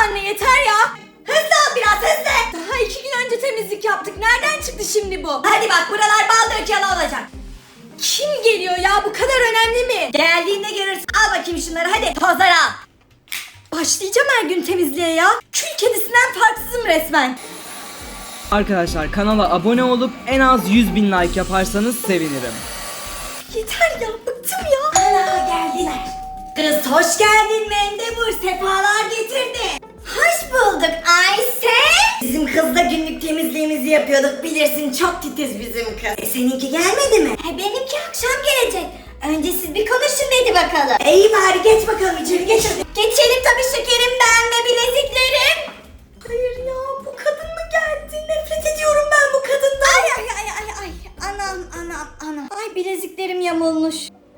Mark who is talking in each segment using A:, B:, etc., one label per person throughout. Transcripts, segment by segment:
A: anne yeter ya. Hızlı ol biraz hızlı. Daha 2 gün önce temizlik yaptık. Nereden çıktı şimdi bu? Hadi bak buralar bal dökeli olacak. Kim geliyor ya, bu kadar önemli mi? Geldiğinde görürsün. Al bakayım şunları hadi tozları al. Başlayacağım her gün temizliğe ya. Kül kedisinden farksızım resmen.
B: Arkadaşlar kanala abone olup en az 100.000 like yaparsanız sevinirim.
A: Yeter ya, bıktım ya. Ana geldiler. Kız hoş geldin Mendebur, sefalar getirdin. Hoş bulduk Ayşe. Bizim kızla günlük temizliğimizi yapıyorduk, bilirsin çok titiz bizim kız. Seninki gelmedi mi? Benimki akşam gelecek. Önce siz bir konuşun dedi bakalım. İyi bari geç bakalım içeri geç hadi. Geçelim tabii şekerim, ben ve bileziklerim. Hayır ya, bu kadın mı geldi? Nefret ediyorum ben bu kadından. Ay. Anam. Ay bileziklerim yamulmuş.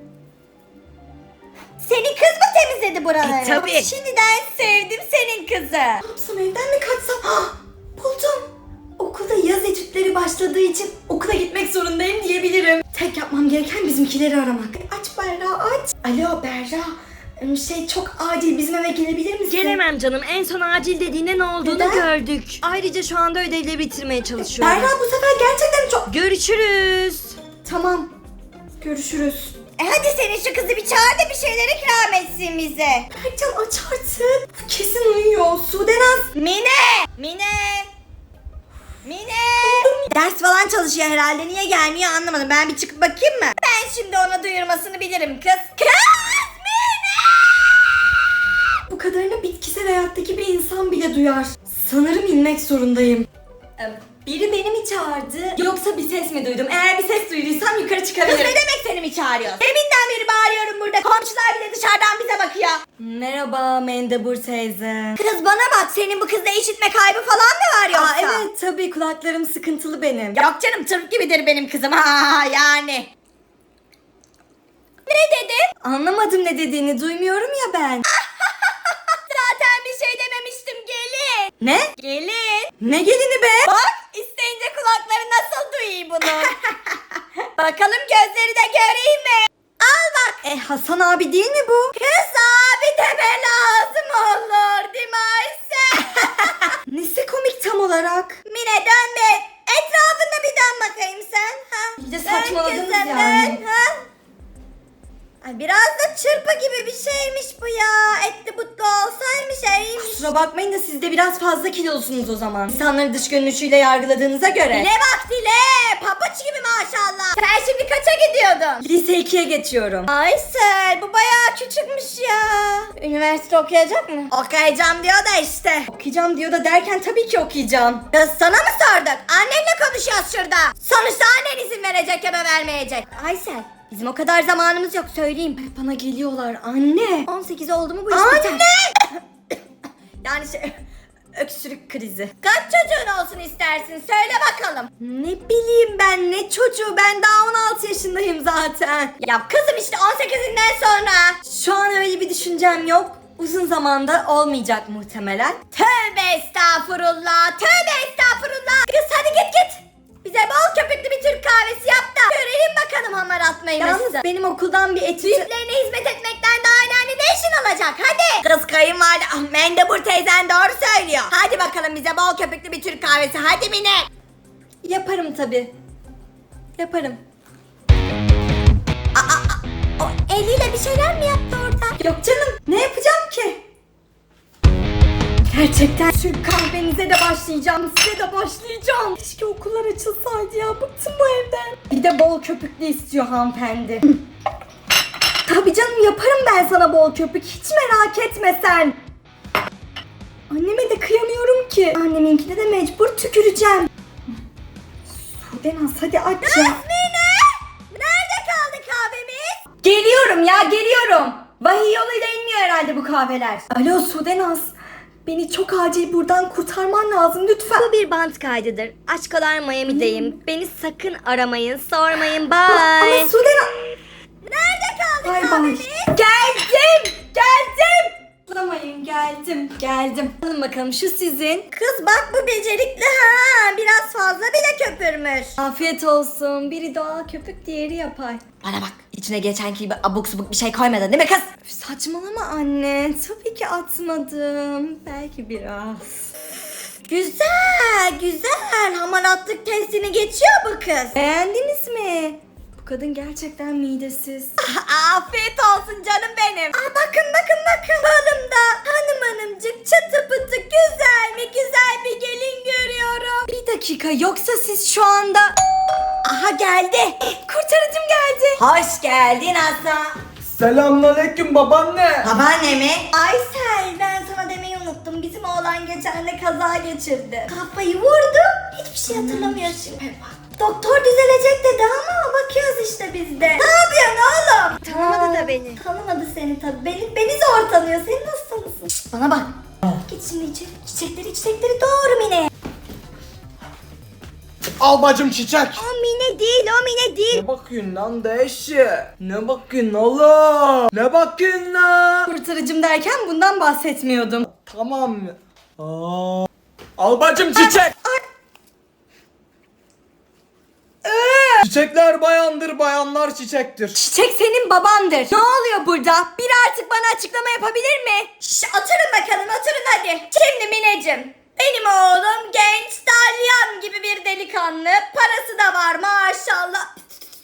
A: Senin kız mı temizledi buraları?
B: Tabii.
A: Şimdiden sevdim senin kızı. Ne yapsam, evden mi kaçsam? Buldum. Okulda yaz etütleri başladığı için okula gitmek zorundayım diyebilirim. Tek yapmam gereken bizimkileri aramak. Aç Berra aç. Alo Berra. Çok acil, bizim eve gelebilir misin?
C: Gelemem canım. En son acil dediğinde ne olduğunu
A: Neden?
C: gördük. Ayrıca şu anda ödevleri bitirmeye çalışıyorum.
A: Berra bu sefer gerçekten çok...
C: Görüşürüz.
A: Tamam. Görüşürüz. Hadi senin şu kızı bir çağır da bir şeyler ikram etsin bize. Berkcan aç artık. Bu kesin uyuyor. Sudenaz. Mine. Ders falan çalışıyor herhalde. Niye gelmiyor anlamadım. Ben bir çıkıp bakayım mı? Ben şimdi ona duyurmasını bilirim kız. Kız Mine! Bu kadarını bitkisel hayattaki bir insan bile duyar. Sanırım inmek zorundayım. Biri beni mi çağırdı yoksa bir ses mi duydum? Eğer bir ses duyduysam yukarı çıkabilirim. Kız ne demek seni mi çağırıyor? Deminden beri bağırıyorum burada. Komşular bile dışarıdan bize bakıyor. Merhaba Mendebur teyze. Kız bana bak, senin bu kızda işitme kaybı falan mı var yoksa? Evet tabii, kulaklarım sıkıntılı benim. Yok canım, tırp gibidir benim kızım. Yani. Ne dedi? Anlamadım ne dediğini, duymuyorum ya ben. Zaten bir şey dememiştim, gelin. Ne? Gelin. Ne gelini be? Bak isteyince kulakları nasıl duyuyor bunu. Bakalım gözleri de göreyim mi? Al bak. Hasan abi değil mi bu? Kız abi deme lazım olur değil mi Ayşe? Nesi komik tam olarak? Mine dön be. Etrafında bir dön bakayım sen. İyice saçmaladınız yani. Ay biraz da çırpı gibi bir şeymiş bu ya. Etli butlu olsaymış iyiymiş. Kusura bakmayın da siz de biraz fazla kilolusunuz o zaman. İnsanları dış görünüşüyle yargıladığınıza göre. Dile bak dile. Papuç gibi maşallah. Sen şimdi kaça gidiyordun? Lise 2'ye geçiyorum. Aysel bu bayağı küçükmüş ya. Üniversite okuyacak mı? Okuyacağım diyor da işte. Okuyacağım diyor da derken tabii ki okuyacağım. Kız sana mı sorduk? Annenle konuşuyoruz şurada. Sonuçta annen izin verecek ya da vermeyecek. Aysel. Bizim o kadar zamanımız yok, söyleyeyim. Bana geliyorlar anne. 18 oldu mu bu iş biter. Anne! Yani öksürük krizi. Kaç çocuğun olsun istersin? Söyle bakalım. Ne bileyim ben, ne çocuğu, ben daha 16 yaşındayım zaten. Ya kızım işte 18'inden sonra. Şu an öyle bir düşüncem yok. Uzun zamanda olmayacak muhtemelen. Tövbe estağfurullah. Kız hadi git. Bize bol köpüklü bir Türk kahvesi yap da görelim bakalım hamar atmayı. Yalnız benim okuldan bir etüt... Büyüklerine hizmet etmekten daha önemli ne işin olacak hadi. Kız kayınvalide Mendebur teyzen doğru söylüyor. Hadi bakalım bize bol köpüklü bir Türk kahvesi hadi Mine. Yaparım tabii. Yaparım. O eliyle bir şeyler mi yaptı orada? Yok canım, ne yapacağım ki? Gerçekten Türk kahvenize de başlayacağım, size de başlayacağım. Keşke okullar açılsaydı ya, bıktım bu evden. Bir de bol köpüklü istiyor hanımefendi. Tabii canım, yaparım ben sana bol köpük, hiç merak etme sen. Anneme de kıyamıyorum ki. Anneminkine de mecbur tüküreceğim. Sudenaz hadi aç ya. Mine! Nerede kaldı kahvemiz? Geliyorum. Vahiy yoluyla inmiyor herhalde bu kahveler. Alo Sudenaz. Beni çok acil buradan kurtarman lazım lütfen.
C: Bu bir bant kaydıdır. Aşkolar Miami'deyim. Beni sakın aramayın, sormayın. Bye.
A: Ama Sudenaz... Nerede kaldı kahvemiz? Geldim. Bulamayın, geldim. Alın bakalım, şu sizin. Kız bak bu becerikli ha. Biraz fazla bile köpürmüş. Afiyet olsun. Biri doğal köpük, diğeri yapay. Bana bak.
C: İçine geçenki gibi abuk subuk bir şey koymadın değil mi kız?
A: Üf, saçmalama anne. Tabii ki atmadım. Belki biraz. Güzel, güzel. Hamaratlık testini geçiyor bu kız. Beğendiniz mi? Bu kadın gerçekten midesiz. Afiyet olsun canım benim. Bakın. Balımda hanımcık çıtı pıtı güzel mi güzel bir gelin görüyorum. Bir dakika, yoksa siz şu anda... Aha geldi. Kurtarıcım geldi. Hoş geldin Hasan.
B: Selamünaleyküm babaanne.
A: Babaanne mi? Aysel, ben sana demeyi unuttum. Bizim oğlan geçen de kaza geçirdi. Kafayı vurdu. Hiçbir şey hatırlamıyor şimdi. Doktor düzelecek dedi ama bakıyoruz işte biz de. Ne yapıyorsun oğlum?
C: Tanımadı da beni.
A: Tanımadı seni tabii. Beni zor tanıyor. Sen nasıl tanısın? Şşt, bana bak. Git şimdi içeri. Çiçekleri doğru Mine.
B: Al bacım çiçek.
C: O Mine değil.
B: Ne bakıyorsun lan deşi? Ne bakıyorsun oğlum? Ne bakıyorsun lan?
A: Kurtarıcım derken bundan bahsetmiyordum.
B: Tamam mı? Al bacım çiçek. Çiçekler bayandır, bayanlar çiçektir.
A: Çiçek senin babandır. Ne oluyor burada? Biri artık bana açıklama yapabilir mi? Oturun bakalım, oturun hadi. Şimdi Mineciğim, benim oğlum genç, dalyan gibi bir delikanlı. Parası da var maşallah.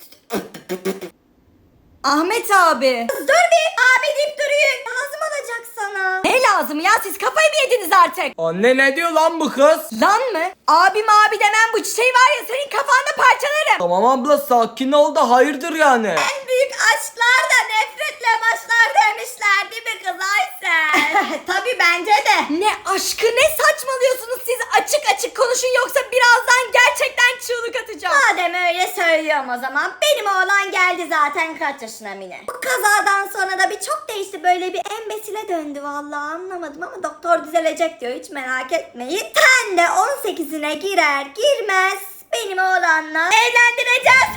A: Ahmet abi. Dur bir, abi deyip duruyun. Lazım olacak sana. Ne lazım ya, siz kafayı mı yediniz artık?
B: Anne ne diyor lan bu kız?
A: Lan mı? Abim abi demem, bu çiçeği var ya senin kafanda parçalarım.
B: Tamam abla sakin ol da hayırdır yani.
A: En büyük aşklar da nefretle başlar demişler değil mi kız Aysel? Tabii bence de. Ne aşkı, ne saçmalıyorsunuz siz? Açık açık konuşun yoksa birazdan gerçekten çığlık atacağım. Madem öyle söylüyorum o zaman. Benim oğlan geldi zaten kaç yaşına Mine. Bu kazadan sonra da bir çok değişti, böyle bir embesile döndü vallahi, anlamadım ama doktor düzelecek diyor, hiç merak etmeyin. Sen de 18'ine girer girmez benim oğlanla evlendireceğiz.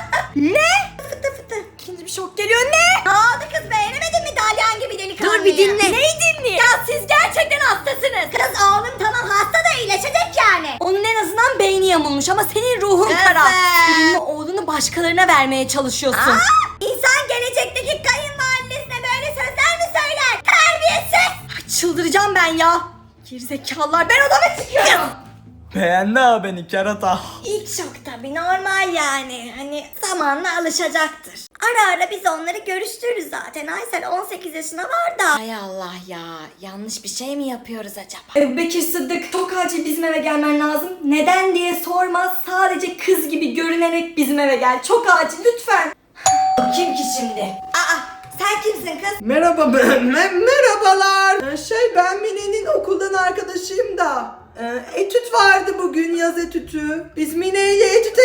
A: Ne? Fıtı fıtı. İkinci bir şok geliyor. Ne? Ne oldu kız, beğenemedin mi dalyan gibi delikanlıyı?
C: Dur bir dinle.
A: Neyi dinleyeyim? Ya siz gerçekten hastasınız. Kız oğlum tamam hasta da iyileşecek yani. Onun en azından beyni yamulmuş ama senin ruhun kara. Senin oğlunu başkalarına vermeye çalışıyorsun. İnsan gelecekteki kayınvalidesine böyle sözler mi söyler? Terbiyesiz. Çıldıracağım ben ya. Gerizekalılar, ben odama çıkıyorum.
B: Beğendi ha beni kerata.
A: İlk şok tabii, normal yani. Hani zamanla alışacaktır. Ara ara biz onları görüştürürüz zaten. Aysel 18 yaşına var da. Hay Allah ya. Yanlış bir şey mi yapıyoruz acaba? Bekir Sıddık, çok acil bizim eve gelmen lazım. Neden diye sormaz. Sadece kız gibi görünerek bizim eve gel. Çok acil lütfen. Kim ki şimdi? Sen kimsin kız?
B: Merhaba merhabalar. Ben Mine'nin okuldan arkadaşıyım da. Etüt vardı bugün, yaz etütü. Biz Mine ile etüte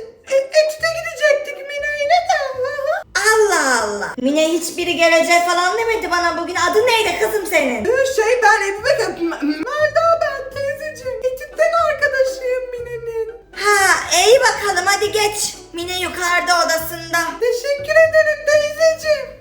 B: gidecektik Mine'yle de.
A: Allah Allah. Mine hiçbiri gelecek falan demedi bana bugün. Adın neydi kızım senin?
B: Ben Melda ben teyzeciğim. Etütten arkadaşıyım Mine'nin.
A: İyi bakalım, hadi geç. Mine yukarıda odasında.
B: Teşekkür ederim teyzeciğim.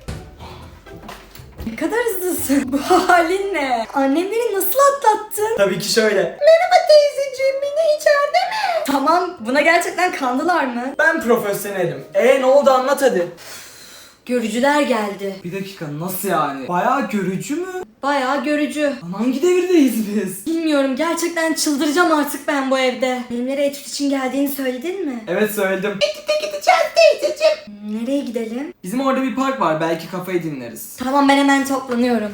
A: Ne kadar hızlısın. Bu halin ne? Annemleri nasıl atlattın?
B: Tabii ki şöyle. Merhaba teyzeciğim, Mine içeride mi?
A: Tamam, buna gerçekten kandılar mı?
B: Ben profesyonelim. Ne oldu anlat hadi.
A: Görücüler geldi.
B: Bir dakika nasıl yani? Bayağı görücü mü?
A: Bayağı görücü.
B: Lan hangi devirdeyiz biz?
A: Bilmiyorum, gerçekten çıldıracağım artık ben bu evde. Benimlere etüt için geldiğini söyledin mi?
B: Evet söyledim.
A: Nereye gidelim?
B: Bizim orada bir park var, belki kafayı dinleriz.
A: Tamam, ben hemen toplanıyorum.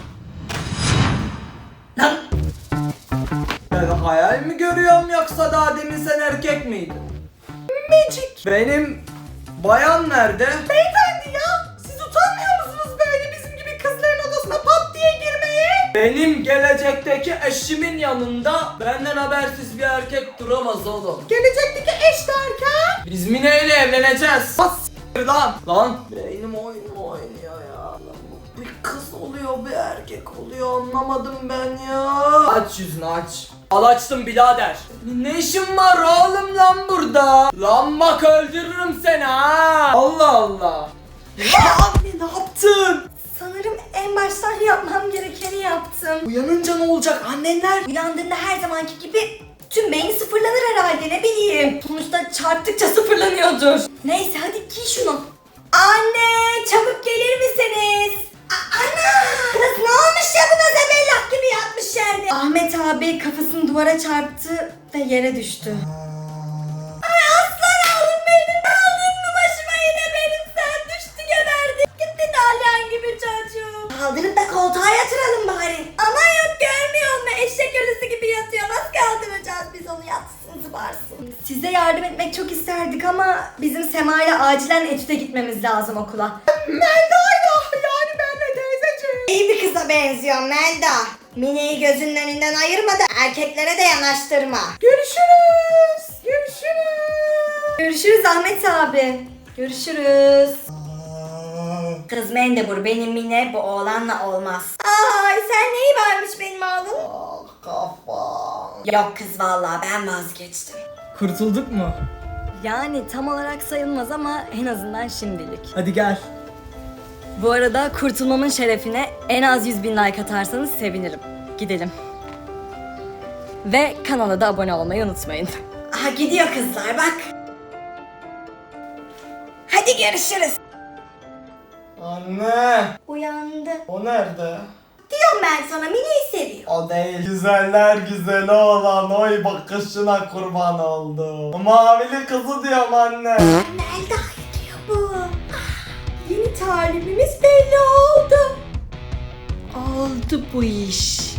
A: Lan!
B: Ben hayal mi görüyorum yoksa daha demin sen erkek miydin? Magic. Benim bayan nerede? Beyefendi ya, siz utanmıyor musunuz böyle bizim gibi kızların odasına pat diye girmeye? Benim gelecekteki eşimin yanında benden habersiz bir erkek duramaz oğlum. Gelecekteki eş derken? Biz Mine ile evleneceğiz. Bas lan. Lan beynim oynuyor ya. Lan, bir kız oluyor bir erkek oluyor, anlamadım ben ya. Aç yüzünü aç. Al açtım birader. Ne işin var oğlum lan burada? Lan bak öldürürüm seni ha. Allah Allah. Ya anne ne yaptın?
A: Sanırım en baştan yapmam gerekeni yaptım.
B: Uyanınca ne olacak annenler?
A: Uyandığında her zamanki gibi tüm beyni sıfırlanır herhalde, ne bileyim. Sonuçta çarptıkça sıfırlanıyordur. Neyse hadi giy şunu. Anne çabuk gelir misiniz? Ana! Kız ne olmuş ya buna zebellak gibi yatmış yerde. Ahmet abi kafasını duvara çarptı ve yere düştü. Ay aslan oğlum benim. Aldın mı başıma yine benim, sen düştü geberdi. Gitti dalyan gibi çocuğum. Kaldırıp da koltuğa yatıralım bari. Ama yok görmüyor musun? Eşek ölüsü gibi yatıyor. Nasıl kaldıracağız biz onu, yatsın zıbarsın. Size yardım etmek çok isterdik ama bizim Sema ile acilen etüde gitmemiz lazım okula. Melda'yla yani benle teyzeciğim. İyi bir kıza benziyor Melda. Mine'yi gözünün önünden ayırma da erkeklere de yanaştırma. Görüşürüz. Görüşürüz. Görüşürüz Ahmet abi. Görüşürüz. Kız Mendebur, benim Mine bu oğlanla olmaz. Ay sen neyi varmış benim oğlum?
B: Kafam.
A: Yok kız vallahi ben vazgeçtim.
B: Kurtulduk mu?
C: Yani tam olarak sayılmaz ama en azından şimdilik.
B: Hadi gel.
C: Bu arada kurtulmamın şerefine en az 100.000 like atarsanız sevinirim. Gidelim. Ve kanala da abone olmayı unutmayın.
A: Aha gidiyor kızlar bak. Hadi görüşürüz.
B: Anne.
A: Uyandı.
B: O nerede?
A: Diyorum ben sana, Mine'yi seviyor.
B: O değil. Güzeller güzeli olan oy bakışına kurban oldum. Mavili kızı diyorum anne.
A: Melda diyor bu. Yeni talibimiz belli oldu. Oldu bu iş.